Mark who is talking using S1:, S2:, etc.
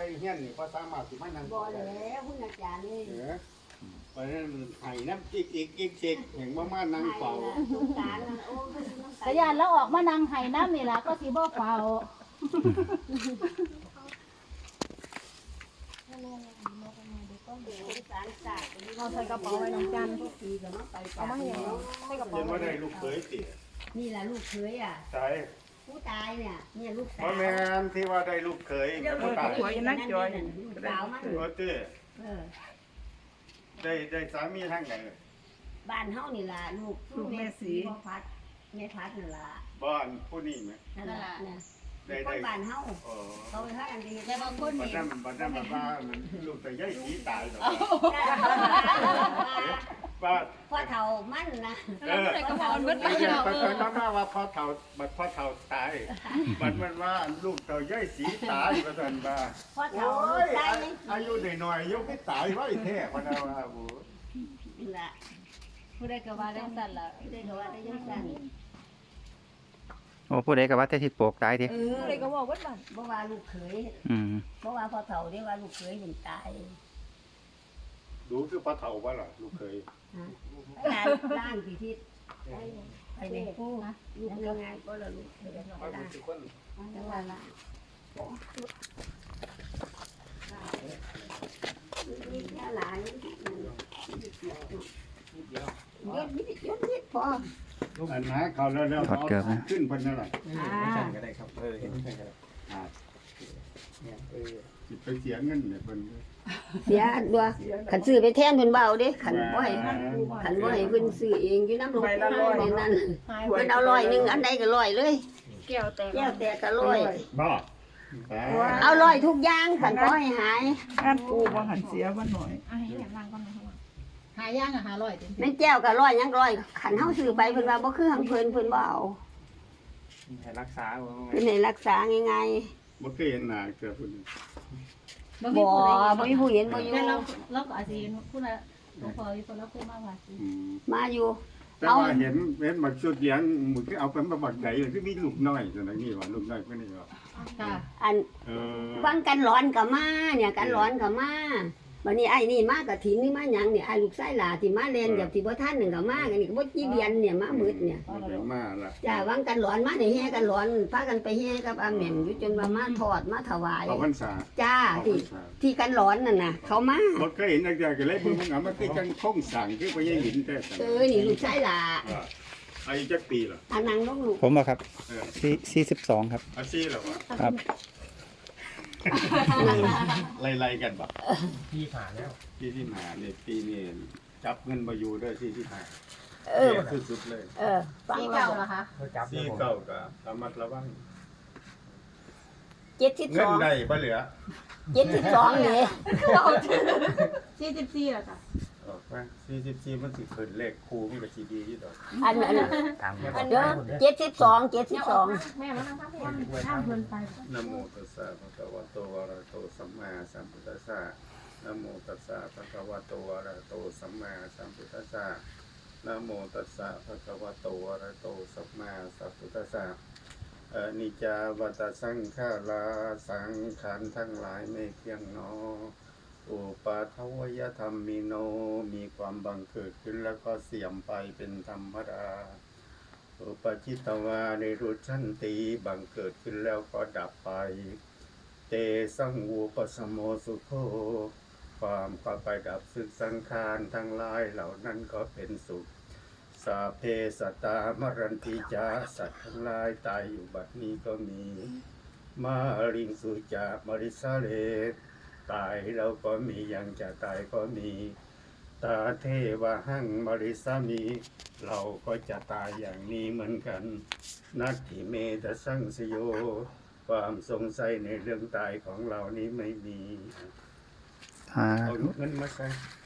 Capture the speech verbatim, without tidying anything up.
S1: เฮียนนี่พอสามารถสิมานั่ง
S2: บ่แล้วคุณอาจารย์นี่
S1: เออเพราะฉะนั้นไห้น้ำจิกอีกอีกจิกเห็นว่ามานั่งเฝ้า
S2: สงสารโอ้ยน้ำตา
S3: แต่ยานแล้วออกมานั่งไห้น้ำนี่ล่ะก็สิบ่เฝ้า
S2: สงสารศาสตร์
S4: เอาใส่กระเป๋าไว้น้องจัน
S2: ปีก็มาไป
S4: เอามาให้ยังใส่กระเป๋า
S1: เห็นว่าได้ลูกเขยติ
S2: นี่แหละลูกเคยอ่ะ
S1: ใช่
S2: ผู้ตายเนี่ยเนี่ยลูก
S1: เพ
S2: สาว
S1: ราะแม่นที่ว่าได้ลูกเขยแม่ผู้ตาย
S2: ลูกสาวมัน
S1: โอ้เจ้
S2: เออ
S1: ได้ได้สามีทางไหน
S2: บ้านเฮานี่ล่ะลูกลูกแม่สีพ่อพัดแม่พัดนั่นล่ะ
S1: บ้านผู้นี้ไหม
S2: นั่นล่ะเนี่ย
S1: ได้
S2: ค
S1: ได้
S2: นบ้านเฮา
S1: อ๋อ
S2: เขาไปหากันดี
S3: แต่บางคน
S1: บัด
S3: นี่
S1: นั้นบัดนั้นแบบว่าลูกแต่ย่ายสีตายหรอกป้า
S2: พ่อเฒ่ามันนะ
S1: เออ
S4: ใส่กระเป๋าเบิดไป
S1: ไม่ใช่
S4: เนาะ
S1: ไปไปต้องมาว่าพ่อเฒ่าบัดพ่อเฒ่าตายบัดมันว่าลูกเต่าย่ายสีตายประสันว่า
S2: พ่อ
S1: โอ้
S2: เฒ่าย ตายยัง
S1: อายุหน่อยๆยกไม่ตายไว้แท้พะนาว่าโอ้
S2: นี่ล่ะ
S3: ผู้ใดก็ว่าจังซั่นล่ะ
S2: ได้ก็ว่าได้ยังสั่น
S5: โอ้ผู้ใดก็ว่าแต่ทิดโปกตายติ
S2: เออ
S4: เลยก็บอกว่าบ้าน
S2: บ่ว่าลูกเขย
S5: อืม
S2: บ่ว่าพ่อเฒ่าได้ว่าลูกเขยถึงตาย
S1: ดูคือพ่อเฒ่าว่าล่ะลูกเคย
S2: ร้านร้านพิธีไปในผู้ลูกยังไงก็ละลูกเขยร้านจังหวะละนี่แค่หลานยศนิดยศนิดพอ
S1: อันหาเขาแล้วแล้วเอาขึ้นเพิ่นนั่นแหละ
S2: อ่า
S6: ก็ได้ครับเออเห็นกันก็ได้
S1: อ่า
S6: เนี่ยเออ
S1: สิไปเสียเงินเนี่ยเพิ่น
S2: เสียดัวขันซื้อไปแทนเพิ่นเบเอาเด้ขันบ่ให้ขันบ่ให้เพิ่นซื้อเองอยู่น้ำลงในนั้นเพิ่นเอาร้อยหนึงอันใดก็ร้อยเลย
S4: แก้วแตก
S2: แก้วแตกก็ร้อย
S1: บ่
S2: เอาร้อยทุกอย่างขันบ่ให้หาย
S7: งานกูบ่หันเสียบ่หน่อย
S4: อ่ะให้แหลมวางก่อนนะข้างหลัง
S3: หาย่างอ่ะหาร้อยติ
S2: ในแก้วก็ร้อยยังร้อยขันเฮาซื้อไปเพิ่นว่าบ่คือหังเพิ่นเพิ่นบ่เอา
S6: ให้รักษาว่า
S2: เพิ่นให้รักษาง่าย
S1: บ่เคยเห็นหน้าเจอเพิ่น
S2: ๆบ่บ่มีผู้เห็นบ่อยู่
S3: แต่เราเราก็อาจสิเห็นผู้น่ะหลวงพ่ออยู่คนเราเคยมาว่าสิ
S1: อืม
S2: มาอยู่
S1: แต่ว่าเห็นเห็นบักชุดเลี้ยงมึงคือเอาเป็นมาบักใหญ่คือมีลูกน้อยจังได๋นี่ว่าลูกน้อยเพิ่นนี่ว่า
S3: ค่ะ
S2: อัน
S1: เออ
S2: ฟังกันร้อนก็มาเนี่ยกันร้อนก็มาบัดนี้ไอ้นี่มากะถินนี่มาหยังเนี่ยไอ้ลูกชายหลาที่มาเรียนกับที่บ่ทันนึงก็มากันนี่ก็บ่กี่เดือนเนี่ยมามืดเนี่ย
S1: เดี๋ยวมาละ
S2: จ้าวังกันร้อนมาได้แห่กันร้อนพากันไปแห่กับอาแม่นอยู่จนว่ามาทอดมาถวาย
S1: เอาพรรษา
S2: จ้า
S1: เอาพร
S2: ที่
S1: รษา
S2: ที่กันร้อนนั่นน่ะ เขามา
S1: บ่เคยเห็นจักอย่างก็เลยเบิ่งมันเอามาคือจังคงสั่งคือบ่ยังเห็นแต่สั่ง
S2: เออนี่ลูกชายหลา
S1: ว่าอายุจักปีล่ะ
S2: อันนั้นลูกลูก
S5: ผมบ่ครับ
S1: เออ
S5: สี่สี่สิบสองครับ
S1: อาชีพเหรอวะ
S5: ครับ
S1: ไล่ๆกันบ่
S6: พี่ผ่านแล้ว
S1: ที่ที่มาเนี่ยปีนี้จับเงินบ่อยู่เด้อที่ที่มา
S2: เออ
S1: คือสุดเลย
S2: เออฟัง
S3: ที่
S2: เรา
S3: เก่าเหรอคะ
S6: เขาจับ
S1: ที่
S6: ผม
S1: เก่าก็ระมัดระวัง
S2: เจ็ดสิบ
S1: เงิ
S2: ส
S1: น
S2: อง
S1: ได้บ่เหลือ
S2: เจ็ดสิบสองเนี่ย
S3: สี่สิบสี่เหรอคะ
S1: ออกมาสี่สิบสี่มันสิขึ้นเลขคู่มันก็สิดีอยู่ดอก
S2: อันนั้น
S6: ตามกัน
S2: อันเด้อเจ็ดสิบสองเจ็ดสิบสอง
S4: แม่มานั่งทับให้ข้ามเพิ่นไป
S1: นะโมตัสสะภะคะวะโตอะระหะโตสัมมาสัมพุทธัสสะนะโมตัสสะภะคะวะโตอะระหะโตสัมมาสัมพุทธัสสะนะโมตัสสะภะคะวะโตอะระหะโตสัมมาสัมพุทธัสสะอนิจจาวัตสังขาราสังขารทั้งหลายไม่เที่ยงหนออุปาทวยธรรมมิโนมีความบังเกิดขึ้นแล้วก็เสื่อมไปเป็นธรรมดาอุปจิตตวาในรุชันติบังเกิดขึ้นแล้วก็ดับไปเตสังวูปสมโมสุโขความก็ไปดับซึ่งสังขารทั้งหลายเหล่านั้นก็เป็นสุขสาเพสัตตามรันติจาสัตว์ทั้งหลายตายอยู่บัดนี้ก็มีมาริงสุจามริสาเลตายแล้วก็มียังจะตายก็มีตาเทวะหังมริสามีเราก็จะตายอย่างนี้เหมือนกันนัตถิเมตสังสโยความสงสัยในเรื่องตายของเรานี้ไม่มี
S5: อ่า
S1: เอาเงินมาใส่